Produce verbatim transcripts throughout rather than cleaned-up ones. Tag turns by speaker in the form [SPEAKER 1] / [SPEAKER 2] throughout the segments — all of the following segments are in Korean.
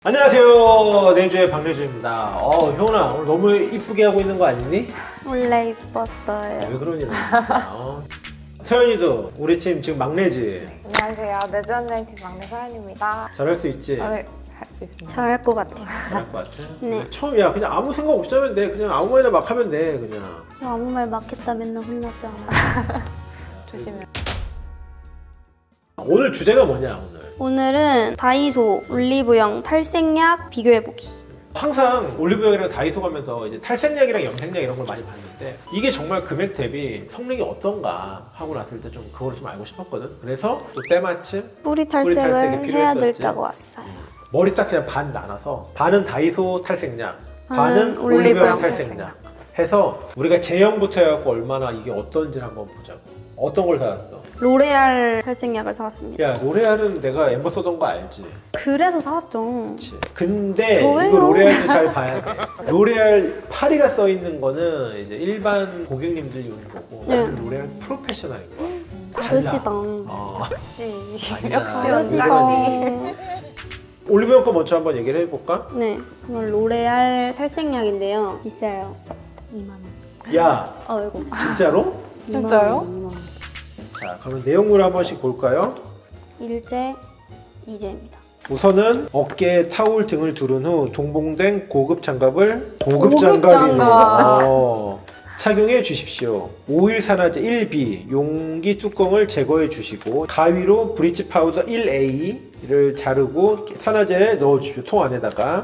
[SPEAKER 1] 안녕하세요. 내주의 박래주입니다. 어, 효은아, 오늘 너무 이쁘게 하고 있는 거 아니니?
[SPEAKER 2] 원래 이뻤어요.
[SPEAKER 1] 왜 그러니, 너 진짜. 어. 서연이도 우리 팀 지금 막내지?
[SPEAKER 3] 안녕하세요. 내주언니팀 막내 서연입니다.
[SPEAKER 1] 잘할 수 있지?
[SPEAKER 3] 아, 네, 할 수 있습니다.
[SPEAKER 2] 잘할 것 같아요.
[SPEAKER 1] 잘할 것 같아?
[SPEAKER 2] 네.
[SPEAKER 1] 처음이야. 그냥 아무 생각 없이 하면 돼. 그냥 아무 말이나 막 하면 돼, 그냥.
[SPEAKER 2] 저 아무 말 막했다 맨날 혼났잖아.
[SPEAKER 3] 조심해.
[SPEAKER 1] 오늘 주제가 뭐냐, 오늘?
[SPEAKER 2] 오늘은 다이소 올리브영 탈색약 비교해보기.
[SPEAKER 1] 항상 올리브영이랑 다이소 가면서 이제 탈색약이랑 염색약 이런 걸 많이 봤는데 이게 정말 금액 대비 성능이 어떤가 하고 났을 때 좀 그걸 좀 알고 싶었거든. 그래서 또 때마침
[SPEAKER 2] 뿌리
[SPEAKER 1] 탈색이
[SPEAKER 2] 탈색을 해야
[SPEAKER 1] 필요했었지.
[SPEAKER 2] 된다고 왔어요.
[SPEAKER 1] 머리 딱 그냥 반 나눠서 반은 다이소 탈색약,
[SPEAKER 2] 반은
[SPEAKER 1] 반은 올리브영
[SPEAKER 2] 올리브영
[SPEAKER 1] 탈색약 해서 우리가 제형부터 해갖고 얼마나 이게 어떤지 한번 보자고. 어떤 걸 사왔어?
[SPEAKER 2] 로레알 탈색약을 사왔습니다.
[SPEAKER 1] 야, 로레알은 내가 엠버 써던 거 알지?
[SPEAKER 2] 그래서 사왔죠.
[SPEAKER 1] 그치. 근데
[SPEAKER 2] 저예요.
[SPEAKER 1] 이거 로레알도 잘 봐야 돼. 로레알 파리가 써 있는 거는 이제 일반 고객님들 용인 거고
[SPEAKER 2] 네.
[SPEAKER 1] 나는 로레알 프로페셔널인 거야.
[SPEAKER 2] 다르시다.
[SPEAKER 1] 어.
[SPEAKER 3] 역시.
[SPEAKER 1] 아니야.
[SPEAKER 3] 역시
[SPEAKER 2] 다르시다.
[SPEAKER 3] 언니.
[SPEAKER 1] 올리브영 거 먼저 한번 얘기를 해볼까?
[SPEAKER 2] 네, 이건 로레알 탈색약인데요. 비싸요. 이만 원.
[SPEAKER 1] 야,
[SPEAKER 2] 어이구.
[SPEAKER 1] 진짜로?
[SPEAKER 3] 진짜요?
[SPEAKER 2] 이만 원.
[SPEAKER 1] 자, 그러면 내용물 한 번씩 볼까요?
[SPEAKER 2] 일제, 이제입니다.
[SPEAKER 1] 우선은 어깨에 타올 등을 두른 후 동봉된 고급 장갑을 고급
[SPEAKER 2] 고급
[SPEAKER 1] 장갑이네.
[SPEAKER 2] 장갑.
[SPEAKER 1] 어, 착용해 주십시오. 오일 산화제 일 비 용기 뚜껑을 제거해 주시고 가위로 브릿지 파우더 일 에이를 자르고 산화제에 넣어 주십시오. 통 안에다가.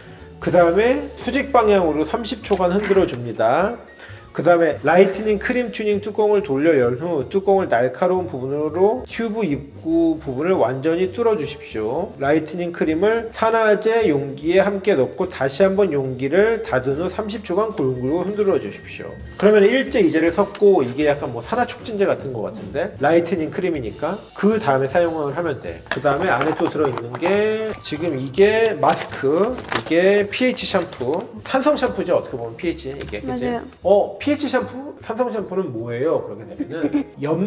[SPEAKER 1] 그 다음에 수직 방향으로 삼십 초간 흔들어 줍니다. 그 다음에 라이트닝 크림 튜닝 뚜껑을 돌려 연 후 뚜껑을 날카로운 부분으로 튜브 입구 부분을 완전히 뚫어 주십시오. 라이트닝 크림을 산화제 용기에 함께 넣고 다시 한번 용기를 닫은 후 삼십 초간 골고루 흔들어 주십시오. 그러면 일제 이제를 섞고 이게 약간 뭐 산화 촉진제 같은 것 같은데 라이트닝 크림이니까 그 다음에 사용을 하면 돼. 그 다음에 안에 또 들어있는 게 지금 이게 마스크, 이게 피에이치 샴푸, 산성 샴푸죠. 어떻게 보면 피에이치 이게 그치?
[SPEAKER 2] 맞아요.
[SPEAKER 1] 어 피에이치 샴푸, 산성 샴푸는 뭐예요? 그렇게 되면은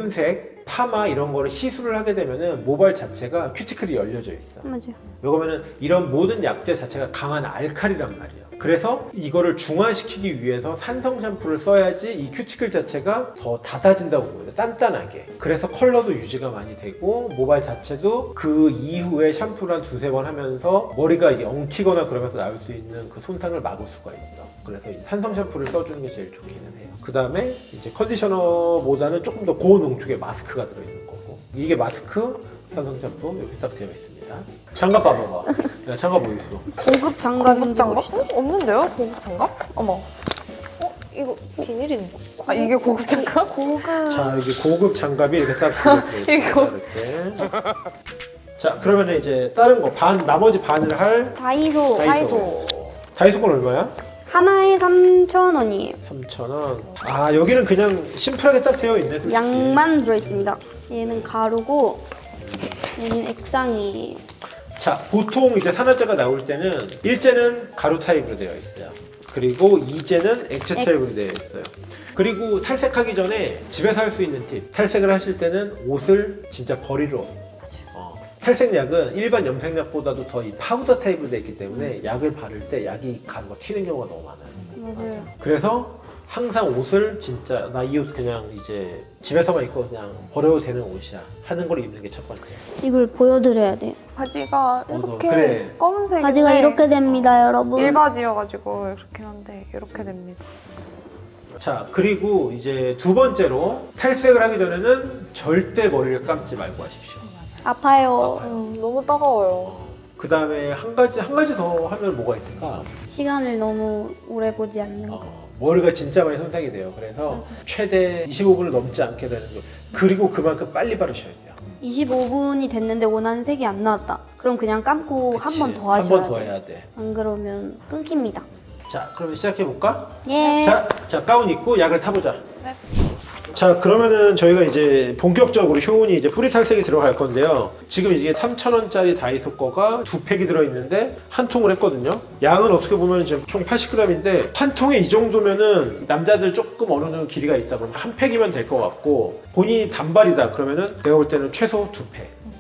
[SPEAKER 1] 염색, 파마 이런 거를 시술을 하게 되면은 모발 자체가 큐티클이 열려져 있어.
[SPEAKER 2] 맞아요.
[SPEAKER 1] 왜냐면은 이런 모든 약재 자체가 강한 알칼리란 말이야. 그래서 이거를 중화시키기 위해서 산성 샴푸를 써야지 이 큐티클 자체가 더 닫아진다고 보여요. 단단하게. 그래서 컬러도 유지가 많이 되고 모발 자체도 그 이후에 샴푸를 한 두세 번 하면서 머리가 이게 엉키거나 그러면서 나올 수 있는 그 손상을 막을 수가 있어. 그래서 이제 산성 샴푸를 써주는 게 제일 좋기는 해요. 그 다음에 이제 컨디셔너보다는 조금 더 고농축의 마스크가 들어있는 거고 이게 마스크, 산성 샴푸 여기 딱 되어 있습니다. 장갑 봐봐봐. 야, 장갑 뭐 있어?
[SPEAKER 2] 고급
[SPEAKER 3] 고급
[SPEAKER 2] 장갑인지
[SPEAKER 3] 장갑?
[SPEAKER 2] 봅시다.
[SPEAKER 3] 어? 없는데요? 고급 장갑? 어머. 어? 이거 비닐인데. 아, 이게 고급 장갑?
[SPEAKER 2] 고급.
[SPEAKER 1] 자, 이게 고급 장갑이 이렇게 딱 들어있습니다.
[SPEAKER 3] 이거.
[SPEAKER 1] 이렇게. 자, 그러면 이제 다른 거 반, 나머지 반을 할
[SPEAKER 2] 다이소.
[SPEAKER 1] 다이소. 다이소 건 얼마야?
[SPEAKER 2] 하나에 삼천 원이에요.
[SPEAKER 1] 삼천 원. 아, 여기는 그냥 심플하게 딱 되어 있네. 솔직히.
[SPEAKER 2] 양만 들어있습니다. 얘는 가루고 얘는 액상이에요.
[SPEAKER 1] 자, 보통 이제 산화제가 나올 때는 일제는 가루 타입으로 되어 있어요. 그리고 이제는 액체 타입으로 되어 있어요. 그리고 탈색하기 전에 집에서 할 수 있는 팁. 탈색을 하실 때는 옷을 진짜 버리러.
[SPEAKER 2] 맞아요.
[SPEAKER 1] 어, 탈색약은 일반 염색약보다도 더 이 파우더 타입으로 되어 있기 때문에 약을 바를 때 약이 가는 거 튀는 경우가 너무 많아요.
[SPEAKER 2] 맞아요.
[SPEAKER 1] 그래서 항상 옷을 진짜 나 이 옷 그냥 이제 집에서만 입고 그냥 버려도 되는 옷이야 하는 걸 입는 게 첫 번째.
[SPEAKER 2] 이걸 보여드려야 돼요.
[SPEAKER 3] 바지가
[SPEAKER 1] 어, 너
[SPEAKER 3] 이렇게
[SPEAKER 1] 그래.
[SPEAKER 3] 검은색인데
[SPEAKER 2] 바지가 이렇게 됩니다, 여러분.
[SPEAKER 3] 일바지여가지고 이렇게 한데 이렇게 됩니다.
[SPEAKER 1] 자, 그리고 이제 두 번째로 탈색을 하기 전에는 절대 머리를 감지 말고 하십시오.
[SPEAKER 2] 아파요.
[SPEAKER 3] 음, 너무 따가워요.
[SPEAKER 1] 그 다음에 한 가지 한 가지 더 하면 뭐가 있을까?
[SPEAKER 2] 시간을 너무 오래 보지 않는 거.
[SPEAKER 1] 어, 머리가 진짜 많이 손상이 돼요. 그래서 최대 이십오 분을 넘지 않게 되는 거. 그리고 그만큼 빨리 바르셔야 돼요.
[SPEAKER 2] 이십오 분이 됐는데 원하는 색이 안 나왔다. 그럼 그냥 감고 한 번 더 하셔야
[SPEAKER 1] 한 번 더
[SPEAKER 2] 돼요.
[SPEAKER 1] 해야 돼.
[SPEAKER 2] 안 그러면 끊깁니다.
[SPEAKER 1] 자, 그러면 시작해 볼까?
[SPEAKER 2] 예.
[SPEAKER 1] 자, 자 가운 입고 약을 타보자.
[SPEAKER 3] 네.
[SPEAKER 1] 자, 그러면은 저희가 이제 본격적으로 효은이 이제 뿌리 탈색이 들어갈 건데요. 지금 이게 삼천 원짜리 다이소 거가 두 팩이 들어있는데 한 통을 했거든요. 양은 어떻게 보면 지금 총 팔십 그램인데 한 통에 이 정도면은 남자들 조금 어느 정도 길이가 있다 그러면 한 팩이면 될 것 같고 본인이 단발이다 그러면은 내가 볼 때는 최소 두 팩.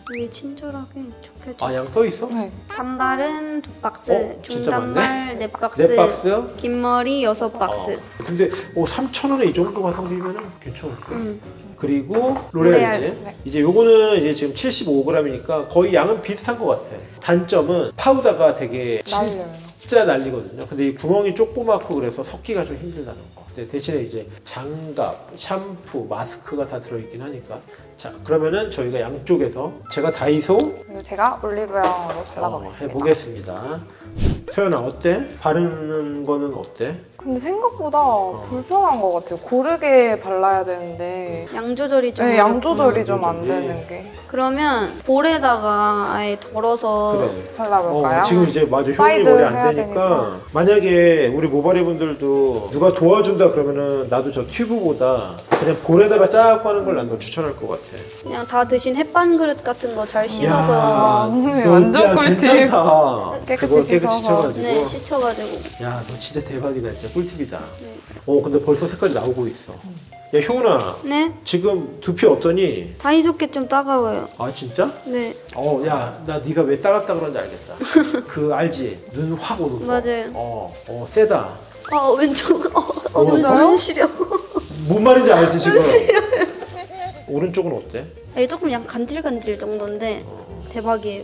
[SPEAKER 2] 위에 친절하게 적혀져.
[SPEAKER 1] 아, 양 써 있어?
[SPEAKER 3] 네.
[SPEAKER 2] 단발은 두 박스,
[SPEAKER 1] 어, 진짜
[SPEAKER 2] 중단발 네 박스,
[SPEAKER 1] 네 박스?
[SPEAKER 2] 긴 머리 여섯 박스.
[SPEAKER 1] 어. 근데 어, 삼천 원에 이 정도 가성비면은 괜찮을 거야.
[SPEAKER 2] 음.
[SPEAKER 1] 그리고 로레알이지.
[SPEAKER 2] 로레알.
[SPEAKER 3] 네.
[SPEAKER 1] 이제 요거는 이제 지금 칠십오 그램이니까 거의 양은 비슷한 것 같아. 단점은 파우더가 되게
[SPEAKER 3] 날려요.
[SPEAKER 1] 진짜 날리거든요. 근데 이 구멍이 조그맣고 그래서 섞기가 좀 힘들다는 거. 근데 대신에 이제 장갑, 샴푸, 마스크가 다 들어있긴 하니까. 자, 그러면은 저희가 양쪽에서 제가 다이소
[SPEAKER 3] 그리고 제가 올리브영으로
[SPEAKER 1] 어,
[SPEAKER 3] 발라보겠습니다.
[SPEAKER 1] 해보겠습니다. 서연아 어때? 바르는 거는 어때?
[SPEAKER 3] 근데 생각보다 불편한 것 같아요. 고르게 발라야 되는데
[SPEAKER 2] 양 조절이 좀.
[SPEAKER 3] 네, 양 조절이
[SPEAKER 1] 음,
[SPEAKER 3] 좀 안
[SPEAKER 1] 조절이.
[SPEAKER 3] 되는 게.
[SPEAKER 2] 그러면 볼에다가 아예 덜어서
[SPEAKER 1] 그래.
[SPEAKER 3] 발라볼까요?
[SPEAKER 1] 어, 지금 이제 맞아 효은이
[SPEAKER 3] 사이드
[SPEAKER 1] 머리 안
[SPEAKER 3] 해야
[SPEAKER 1] 되니까
[SPEAKER 3] 되니까.
[SPEAKER 1] 만약에 우리 모발이 분들도 누가 도와준다 그러면은 나도 저 튜브보다 그냥 볼에다가 쫙 하는 걸 난 더 추천할 것 같아.
[SPEAKER 2] 그냥 다 드신 햇반 그릇 같은 거 잘 씻어서.
[SPEAKER 3] 야. 네,
[SPEAKER 1] 너
[SPEAKER 3] 완전
[SPEAKER 1] 야,
[SPEAKER 3] 꿀팁.
[SPEAKER 1] 괜찮다.
[SPEAKER 3] 깨끗이
[SPEAKER 1] 그거 깨끗이
[SPEAKER 3] 씻어서.
[SPEAKER 1] 씻어가지고.
[SPEAKER 2] 네, 씻어가지고.
[SPEAKER 1] 야, 너 진짜 대박이다. 진짜 꿀팁이다.
[SPEAKER 2] 네.
[SPEAKER 1] 어, 근데 벌써 색깔이 나오고 있어. 야, 효은아.
[SPEAKER 2] 네?
[SPEAKER 1] 지금 두피 어떠니?
[SPEAKER 2] 다이소께 좀 따가워요.
[SPEAKER 1] 아, 진짜?
[SPEAKER 2] 네,
[SPEAKER 1] 어, 야, 나 네가 왜 따갑다 그런지 알겠다. 그 알지? 눈 확 오는 거.
[SPEAKER 2] 맞아요.
[SPEAKER 1] 어, 어, 세다.
[SPEAKER 2] 아 왼쪽. 어, 어,
[SPEAKER 1] 어,
[SPEAKER 2] 눈,
[SPEAKER 3] 진짜요?
[SPEAKER 2] 눈 시려.
[SPEAKER 1] 뭔 말인지 알지 지금? 오른쪽은 어때?
[SPEAKER 2] 이게 조금 약간 간질간질 정도인데
[SPEAKER 1] 어.
[SPEAKER 2] 대박이에요.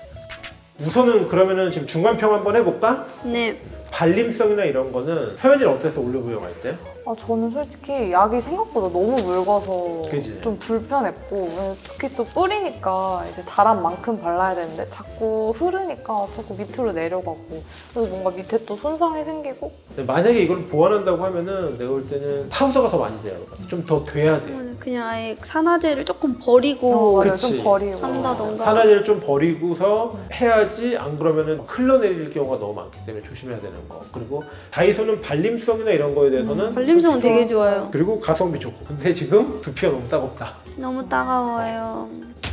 [SPEAKER 1] 우선은 그러면은 지금 중간평 한번 해볼까?
[SPEAKER 2] 네,
[SPEAKER 1] 발림성이나 이런 거는 서현이는 어땠어 올리브영 할 때?
[SPEAKER 3] 아, 저는 솔직히 약이 생각보다 너무 묽어서
[SPEAKER 1] 그지?
[SPEAKER 3] 좀 불편했고 특히 또 뿌리니까 이제 자란 만큼 발라야 되는데 자꾸 흐르니까 자꾸 밑으로 내려가고 그래서 뭔가 밑에 또 손상이 생기고
[SPEAKER 1] 근데 만약에 이걸 보완한다고 하면은 내가 볼 때는 파우더가 더 많이 돼요. 좀 더 돼야 돼.
[SPEAKER 2] 그냥 아예 산화제를 조금 버리고
[SPEAKER 3] 어, 맞아요.
[SPEAKER 1] 그치.
[SPEAKER 3] 좀 버리고
[SPEAKER 2] 한다던가.
[SPEAKER 1] 산화제를 좀 버리고서 해야지 안 그러면은 흘러내릴 경우가 너무 많기 때문에 조심해야 되는 거. 그리고 다이소는 발림성이나 이런 거에 대해서는
[SPEAKER 2] 발림성은 되게 좋아요.
[SPEAKER 1] 그리고 가성비 좋고. 근데 지금 두피가 너무 따갑다.
[SPEAKER 2] 너무 따가워요.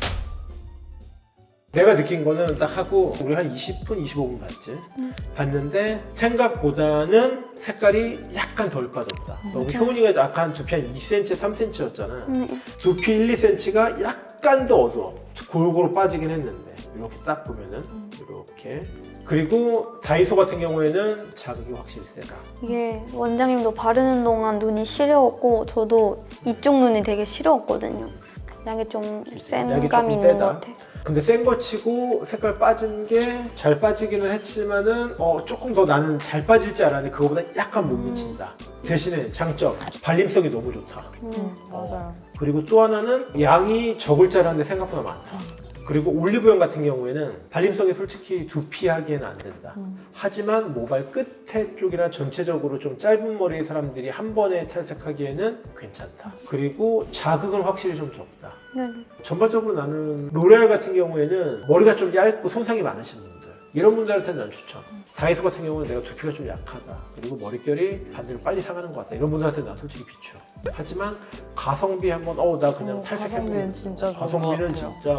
[SPEAKER 1] 내가 느낀 거는 딱 하고 우리 한 이십 분, 이십오 분 봤지?
[SPEAKER 2] 음.
[SPEAKER 1] 봤는데 생각보다는 색깔이 약간 덜 빠졌다. 너무 효은이가 약간 두피 한 이 센티미터, 삼 센티미터였잖아.
[SPEAKER 2] 네.
[SPEAKER 1] 두피 일, 이 센티미터가 약간 더 어두워. 골고루 빠지긴 했는데 이렇게 딱 보면은 이렇게. 그리고 다이소 같은 경우에는 자극이 확실히 세다.
[SPEAKER 2] 이게 원장님도 바르는 동안 눈이 시려웠고 저도 이쪽 눈이 되게 시려웠거든요. 약이 좀 센
[SPEAKER 1] 약이
[SPEAKER 2] 감이
[SPEAKER 1] 조금
[SPEAKER 2] 있는
[SPEAKER 1] 세다.
[SPEAKER 2] 것 같아요.
[SPEAKER 1] 근데 센 거 치고 색깔 빠진 게 잘 빠지기는 했지만은 어 조금 더 나는 잘 빠질 줄 알았는데 그거보다 약간 못 미친다. 대신에 장점 발림성이 너무 좋다.
[SPEAKER 3] 음, 맞아요.
[SPEAKER 1] 그리고 또 하나는 양이 적을 줄 알았는데 생각보다 많다. 그리고 올리브영 같은 경우에는 발림성이 솔직히 두피하기에는 안 된다.
[SPEAKER 3] 음.
[SPEAKER 1] 하지만 모발 끝에 쪽이나 전체적으로 좀 짧은 머리의 사람들이 한 번에 탈색하기에는 괜찮다. 그리고 자극은 확실히 좀 적다.
[SPEAKER 2] 네.
[SPEAKER 1] 전반적으로 나는 로레알 같은 경우에는 머리가 좀 얇고 손상이 많으신 분들 이런 분들한테는 난 추천. 다이소 같은 경우는 내가 두피가 좀 약하다 그리고 머릿결이 반대로 빨리 상하는 것 같다 이런 분들한테는 난 솔직히 비추. 하지만 가성비 한번 어 나 그냥
[SPEAKER 3] 어,
[SPEAKER 1] 탈색해보는
[SPEAKER 3] 가성비는 진짜 좋은 것
[SPEAKER 1] 가성비는
[SPEAKER 3] 같아요.
[SPEAKER 1] 진짜.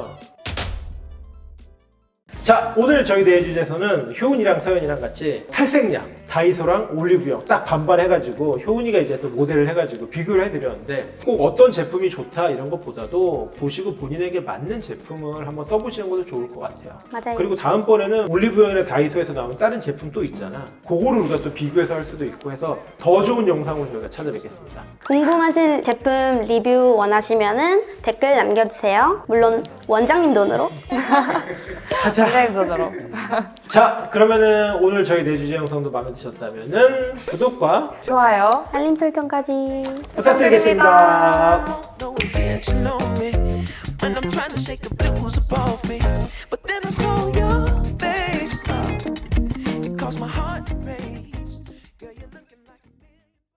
[SPEAKER 1] 자, 오늘 저희 대회 주제에서는 효은이랑 서연이랑 같이 탈색약 다이소랑 올리브영 딱 반반 해가지고 효은이가 이제 또 모델을 해가지고 비교를 해드렸는데 꼭 어떤 제품이 좋다 이런 것보다도 보시고 본인에게 맞는 제품을 한번 써보시는 것도 좋을 것 같아요.
[SPEAKER 2] 맞아요.
[SPEAKER 1] 그리고 다음번에는 올리브영이나 다이소에서 나오는 다른 제품 또 있잖아. 그거를 우리가 또 비교해서 할 수도 있고 해서 더 좋은 영상으로 저희가 찾아뵙겠습니다.
[SPEAKER 2] 궁금하신 제품 리뷰 원하시면은 댓글 남겨주세요. 물론 원장님 돈으로.
[SPEAKER 1] 하자.
[SPEAKER 3] 디자인전으로.
[SPEAKER 1] 자, 그러면은 오늘 저희 내주제 영상도 마음에 드셨다면은 구독과
[SPEAKER 3] 좋아요.
[SPEAKER 2] 알림 설정까지.
[SPEAKER 1] 부탁드리겠습니다.
[SPEAKER 4] No intention on me when I'm trying to shake the blues above me.